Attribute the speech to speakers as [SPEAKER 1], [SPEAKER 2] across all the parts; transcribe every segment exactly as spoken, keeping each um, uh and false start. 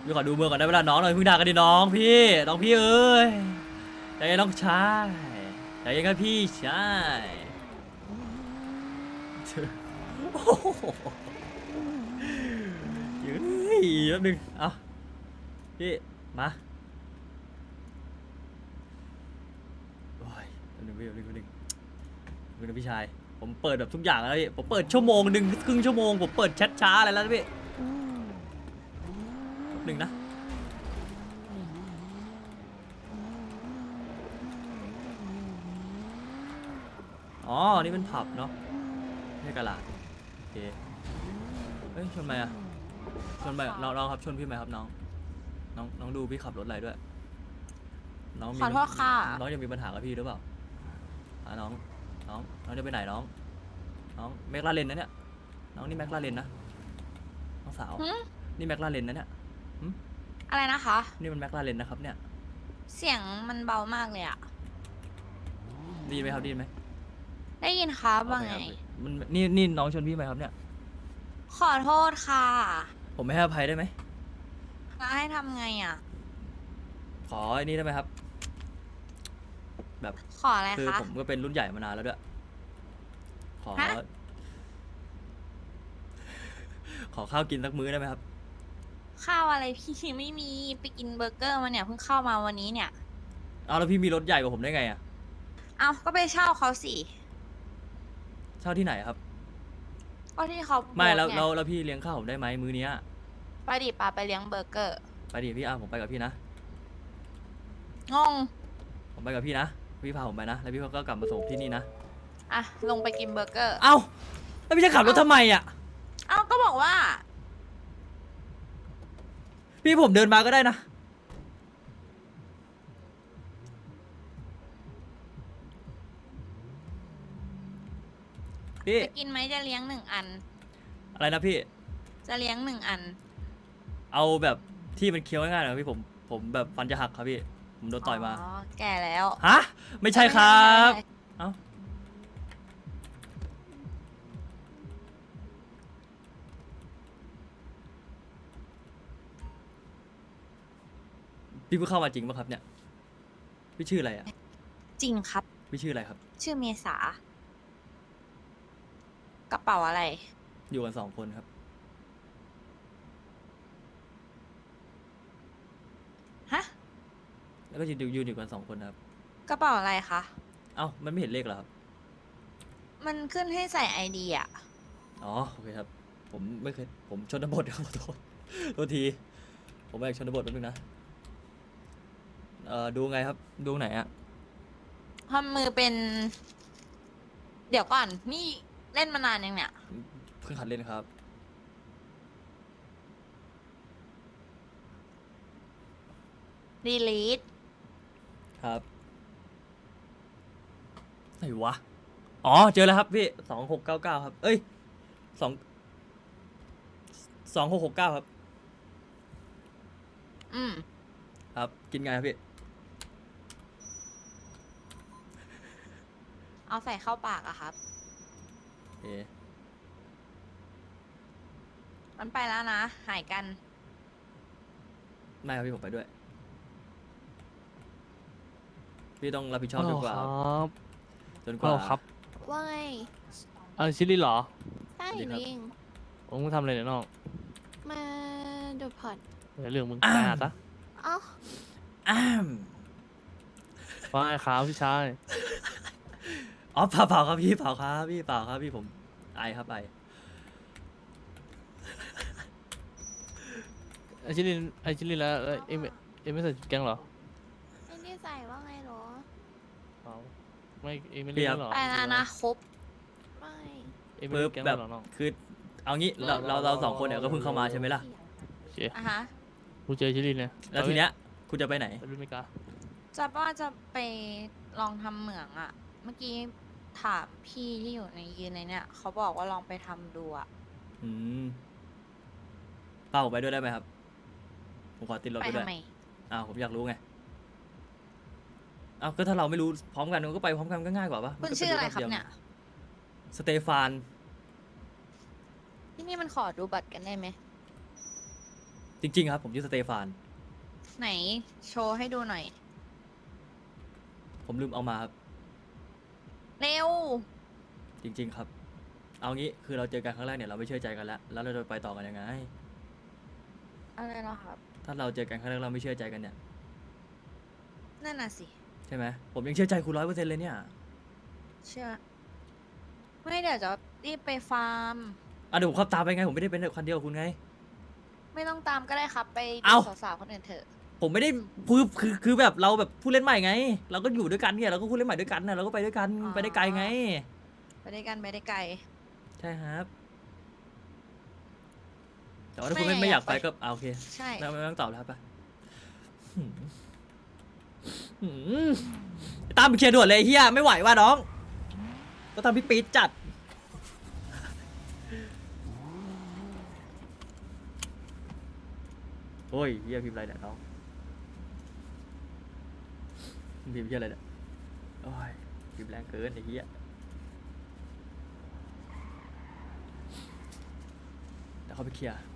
[SPEAKER 1] พี่ขอดูเมืองก่อนได้เวลาน้องหน่อยเพิ่งด่ากันดิน้องพี่น้องพี่เอ้ยใจเย็นน้องชายใจเย็นครับพี่ชายโอ้โหเฮ้ยแป๊บนึงเอาพี่มาโอ้ยแป๊บนึงพี่แป๊บนึงแป๊บนึงแป๊บนึงพี่ชายผมเปิดแบบทุกอย่างแล้วพี่ผมเปิดชั่วโมงหนึ่งครึ่งชั่วโมงผมเปิดแชทช้าอะไรแล้วพี่แป๊บนึงนะอ๋อนี่เป็นผับเนาะไม่ใช่กะลาดโอเคเฮ้ยชนไหมอะชนไหมน้องน้องครับชนพี่ไหมครับน้องน้องน้องดูพี่ขับรถอะไรด้วยน้องมี
[SPEAKER 2] ขอโทษค่ะ
[SPEAKER 1] น้องยังมีปัญหากับพี่หรือเปล่าอ่ะน้องน้องน้องจะไปไหนน้องน้องแม็กลาเรนนะเนี่ยน้องนี่แม็กลาเรนนะน้องสาว
[SPEAKER 2] หึ
[SPEAKER 1] นี่แม็กลาเรนนะเนี่ยหึ
[SPEAKER 2] อะไรนะคะ
[SPEAKER 1] นี่มันแม็กลาเรนนะครับเนี่ย
[SPEAKER 2] เสียงมันเบามากเลยอะ
[SPEAKER 1] ได้ยินไหมครับได้ยินไหม
[SPEAKER 2] ได้ยินครับว่า
[SPEAKER 1] โอเค
[SPEAKER 2] ไง
[SPEAKER 1] ครับมันนี่นี่น้องชนพี่ไหมครับเนี่ย
[SPEAKER 2] ขอโทษค่ะ
[SPEAKER 1] ผมไม่ให้อภัยได้ไหม
[SPEAKER 2] แล้วให้ทำไงอะ
[SPEAKER 1] ขอไอ้นี่ได้ไหมครับ แบบ
[SPEAKER 2] ขออะไร
[SPEAKER 1] คือ
[SPEAKER 2] คะ
[SPEAKER 1] ผมก็เป็นรุ่นใหญ่มานานแล้วด้วยขอ
[SPEAKER 2] ฮะ
[SPEAKER 1] ขอข้าวกินสักมื้อได้ไหมครับ
[SPEAKER 2] ข้าวอะไรพี่ไม่มีไปกินเบอร์เกอร์มาเนี่ยเพิ่งเข้ามาวันนี้เนี่ย
[SPEAKER 1] เอาแล้วพี่มีรถใหญ่กว่าผมได้ไงอะ
[SPEAKER 2] เอาก็ไปเช่าเขาสิ
[SPEAKER 1] เช่าที่ไหนครับ
[SPEAKER 2] ก็ที่เขา
[SPEAKER 1] ไม่แล้ว
[SPEAKER 2] โพสต์
[SPEAKER 1] แล้ว
[SPEAKER 2] ไง
[SPEAKER 1] แล้วพี่เลี้ยงข้าวผมได้ไหมมื้อเนี้ย
[SPEAKER 2] ไปดิปาไปเลี้ยงเบอร์เกอร์
[SPEAKER 1] ไปดิพี่อาผมไปกับพี่นะ
[SPEAKER 2] งง
[SPEAKER 1] ผมไปกับพี่นะ พี่พาผมไปนะ แล้วพี่ก็กลับมาส่งที่นี่นะ
[SPEAKER 2] อ่ะลงไปกินเบอร์เกอร์
[SPEAKER 1] เอ้า แล้วพี่จะขับรถทำไมอ่ะ
[SPEAKER 2] เอ้าก็บอกว่า
[SPEAKER 1] พี่ผมเดินมาก็ได้นะ พี่
[SPEAKER 2] จะกินไหมจะเลี้ยงหนึ่งอัน
[SPEAKER 1] อะไรนะพี่
[SPEAKER 2] จะเลี้ยงหนึ่งอัน
[SPEAKER 1] เอาแบบที่มันเคี้ยวง่ายๆหน่อยพี่ผม ผมแบบฟันจะหักครับพี่ ผมโดนต่อยมา
[SPEAKER 2] อ๋อแก่แล้ว
[SPEAKER 1] ฮะ ไม่ใช่ครับ
[SPEAKER 2] ไม่ใช่
[SPEAKER 1] เอ้า พี่เพิ่งเข้ามาจริงป่ะครับเนี่ย พี่ชื่ออะไรอ่ะ
[SPEAKER 2] จริงครับ
[SPEAKER 1] พี่ชื่ออะไรครับ
[SPEAKER 2] ชื่อเมษา กระเป๋าอะไร
[SPEAKER 1] อยู่กันสองคนครับ
[SPEAKER 2] ฮะ
[SPEAKER 1] แล้วก็ยืนยืนอยู่กันสองคนนะครับ
[SPEAKER 2] กระเป๋าอะไรคะ
[SPEAKER 1] เอ้า มันไม่เห็นเลขเหรอครับ
[SPEAKER 2] มันขึ้นให้ใส่ไอดีอะ
[SPEAKER 1] อ๋อ โอเคครับ ผมไม่เคย ผมชนบทครับขอโทษโทษที ผมไม่อยากชนบทแป๊บนึงนะ เอ่อ ดูไงครับ ดูไหนอะ
[SPEAKER 2] ทำมือเป็น เดี๋ยวก่อน นี่เล่นมานานยังเนี่ย
[SPEAKER 1] เพิ่งหัดเล่นครับ
[SPEAKER 2] ดีลีท
[SPEAKER 1] ครับไหนวะ อ๋อ เจอแล้วครับพี่สองหกเก้าเก้าครับ เอ้ยสองสองหกหกเก้าครับ
[SPEAKER 2] อืม
[SPEAKER 1] ครับ กินไงครับพี่
[SPEAKER 2] เอาใส่เข้าปากอะครับ
[SPEAKER 1] เอ๊ะ
[SPEAKER 2] มันไปแล้วนะ หายกัน
[SPEAKER 1] ไม่ครับพี่ผมไปด้วย พี่ต้องรับผิดชอบจนกว่า
[SPEAKER 3] ครับ
[SPEAKER 1] จนก
[SPEAKER 3] ฮัล
[SPEAKER 1] ว่า
[SPEAKER 3] โหลครับ
[SPEAKER 4] ว่าไง
[SPEAKER 3] เออชิลลี่เหรอ
[SPEAKER 4] ใช่
[SPEAKER 1] สวัสดีครับ
[SPEAKER 4] ลิง
[SPEAKER 3] โอ้มึงทำอะไรเนี่ยน้อง
[SPEAKER 4] มาดูพอร์ต
[SPEAKER 3] เดี๋ยวเรื่องมึง
[SPEAKER 1] อ้าว
[SPEAKER 3] ไปหาซะ
[SPEAKER 4] เอ้า
[SPEAKER 1] อ้าม
[SPEAKER 3] ว่าไงครับพี่ชาย
[SPEAKER 1] อ๋อเปล่าเปล่าครับพี่เปล่าครับพี่เปล่าครับพี่ผมไอครับไอ
[SPEAKER 3] ไอชิลลี่ไอชิลลี่แล้วแล้วเอ็มเอ็มไม่ใส่ชุดแก๊งเหรอ
[SPEAKER 4] ไม่ได้ใส่ว่าไงเหรอ
[SPEAKER 3] เปล่าไม่เอ็มไม่เล่นแล้วเหรอ
[SPEAKER 2] ไปแล้วนะครบ
[SPEAKER 4] ไม่
[SPEAKER 3] เอ็มไม่
[SPEAKER 1] ปึ๊
[SPEAKER 3] เล่
[SPEAKER 1] บ
[SPEAKER 3] นแก๊ง
[SPEAKER 1] แบ
[SPEAKER 3] แล้ว
[SPEAKER 1] บ
[SPEAKER 3] เหรอน้อง
[SPEAKER 1] คือเอางี้เราเราเราสองคนเนี่ยก็เพิ่งเข้ามาใช่ไหมล่ะ
[SPEAKER 3] โอเค
[SPEAKER 2] อ่ะฮะ
[SPEAKER 3] กูเจอชิลลี่เนี่ย
[SPEAKER 1] แล้วทีเนี้ยคุณจะไปไหน
[SPEAKER 3] ไปรุ่นไม่กล้า
[SPEAKER 2] จะว่าจะไปลองทำเหมืองอะเมื่อกี้ถามพี่ที่อยู่ในยืนในเนี่ยเขาบอกว่าลองไปทำดูอะ
[SPEAKER 1] อืมเป้าผมไปด้วยได้ไหมครับ ผมขอติดรถ
[SPEAKER 2] ไป
[SPEAKER 1] ไปด้วย
[SPEAKER 2] ทำไม
[SPEAKER 1] อ้าวผมอยากรู้ไงอ้าวก็ถ้าเราไม่รู้พร้อมกันมันก็ไปพร้อมกันก็ง่ายกว่าปะ
[SPEAKER 2] คุณชื่ออะไรครับเนี่ย
[SPEAKER 1] สเตฟาน
[SPEAKER 2] ที่นี่มันขอดูบัตรกันได้ไหม
[SPEAKER 1] จริงๆครับผมชื่อสเตฟาน
[SPEAKER 2] ไหนโชว์ให้ดูหน่อย
[SPEAKER 1] ผมลืมเอามาครับ
[SPEAKER 2] เร็ว
[SPEAKER 1] จริง ๆ ครับ เอางี้คือเราเจอกันครั้งแรกเนี่ยเราไม่เชื่อใจกันแล้วแล้วเราจะไปต่อกันยังไง
[SPEAKER 2] อะไรนะครับ
[SPEAKER 1] ถ้าเราเจอกันครั้งแรกเราไม่เชื่อใจกันเนี่ย
[SPEAKER 2] นั่นน่ะสิ
[SPEAKER 1] ใช่ไหมผมยังเชื่อใจคุณร้อยเปอร์เซ็นต์เลยเนี่ย
[SPEAKER 2] เชื่อ ไม่เดี๋ยวจะรีบไปฟาร์ม
[SPEAKER 1] อ่ะเดี๋ยวผมขับตามไปไงผมไม่ได้เป็นคันเดียวกับคุณไง
[SPEAKER 2] ไม่ต้องตามก็ได้ครับ ไป
[SPEAKER 1] เอ้า
[SPEAKER 2] ดูสาวๆคนอื่นเถอะ
[SPEAKER 1] ผมไม่ได้คือคือคือแบบเราแบบผู้เล่นใหม่ไง เราก็อยู่ด้วยกันเนี่ยเราก็ผู้เล่นใหม่ด้วยกันนะเราก็ไปด้วยกัน
[SPEAKER 2] อ๋อ
[SPEAKER 1] ไปได้ไกลไง
[SPEAKER 2] ไปได้กันไปได้ไกล
[SPEAKER 1] ใช่ครับ แต่ว่าถ้าคุณไม่ไม่อยากไปก็เอาโอเค
[SPEAKER 2] ใช่
[SPEAKER 1] ไม่ไม่ต้องตอบแล้วครับไปหืมหืมตามไปเคลียร์ด่วนเลยเฮียไม่ไหวว่ะน้อง ก็ทำพี่ปี๊ดจัด โอ้ยเฮียพิมพ์อะไรเนี่ยน้องพิมพ์เฮียอะไรเนี่ยโอ้ยพิมพ์แรงเกินไอ้เฮียเดี๋ยวเขาไปเคลียร์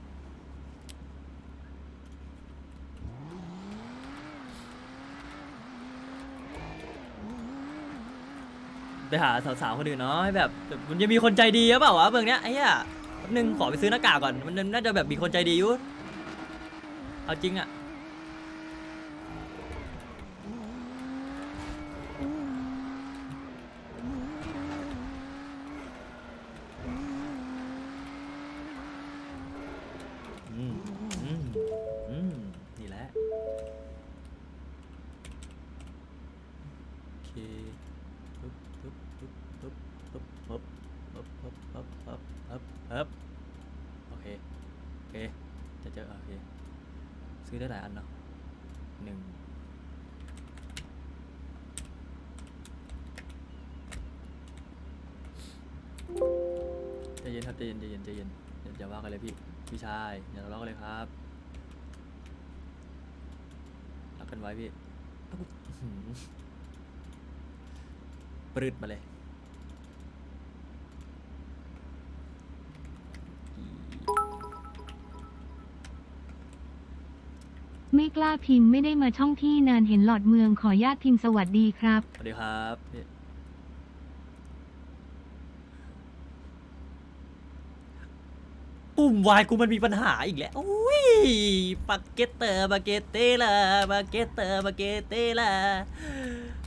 [SPEAKER 1] ไปหาสาวๆคนอื่นเนาะให้แบบแบบมันจะมีคนใจดีหรือเปล่าวะเมืองเนี้ยไอ้เหี้ยแป๊บนึงขอไปซื้อหน้ากากก่อนมันน่าจะแบบมีคนใจดีอยู่เอาจริงอะอืมอืมอืมนี่แหละโอเคปึ๊บปึ๊บปึ๊บปึ๊บปึ๊บปึ๊บปึ๊บปึ๊บปึ๊บปึ๊บปึ๊บปึ๊บโอเคโอเคจะเจอโอเคซื้อได้หลายอันเนาะหนึ่งใจเย็นครับใจเย็นใจเย็นใจเย็นอย่าอย่าว่ากันเลยพี่พี่ชายอย่าทะเลาะกันเลยครับรักกันไว้พี่อื้อหือปรืดมาเลย
[SPEAKER 5] ไม่กล้าพิมพ์ไม่ได้มาช่องที่นานเห็นหลอดเมืองขอญาตพิมพ์สวัสดีครับ
[SPEAKER 1] สวัสดีครับพี่ปุ่มวายกูมันมีปัญหาอีกแล้วอุ้ยปาเกตเตอร์ปาเกตเตล่าปาเกตเตอร์ปาเกตเตล่า